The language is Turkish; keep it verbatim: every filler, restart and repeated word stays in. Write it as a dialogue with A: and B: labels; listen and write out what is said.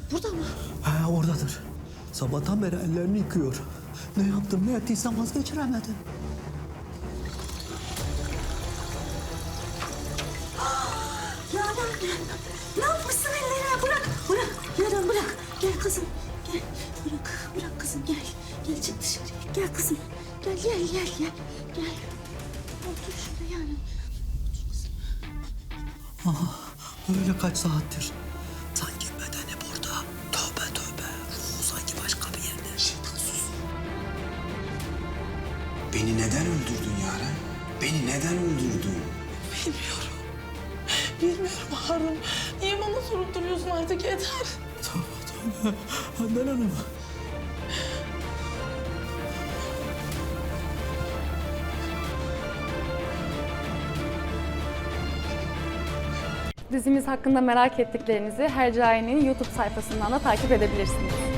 A: Burada mı?
B: He oradadır. Sabahtan beri ellerini yıkıyor. Ne yaptım ne ettiysem vazgeçiremedim.
A: Yaren, ne yapmışsın ellerine? Bırak, bırak. Yaren bırak. Gel kızım, gel. Bırak, bırak kızım gel. Gel çık dışarıya. Gel kızım. Gel, gel, gel, gel. Gel. Otur şurada Yaren. Otur kızım.
B: Aha, öyle kaç saattir. Sanki bedeni burada. Tövbe tövbe. Ruhu sanki başka bir yerde.
C: Şeytan sus. Beni neden öldürdün Yaren? Beni neden öldürdün?
D: Bilmiyorum. Bilmiyorum Harun. Niye bana sorup duruyorsun artık yeter.
B: Tövbe tövbe. Handan Hanım.
E: Dizimiz hakkında merak ettiklerinizi Hercai'nin YouTube sayfasından da takip edebilirsiniz.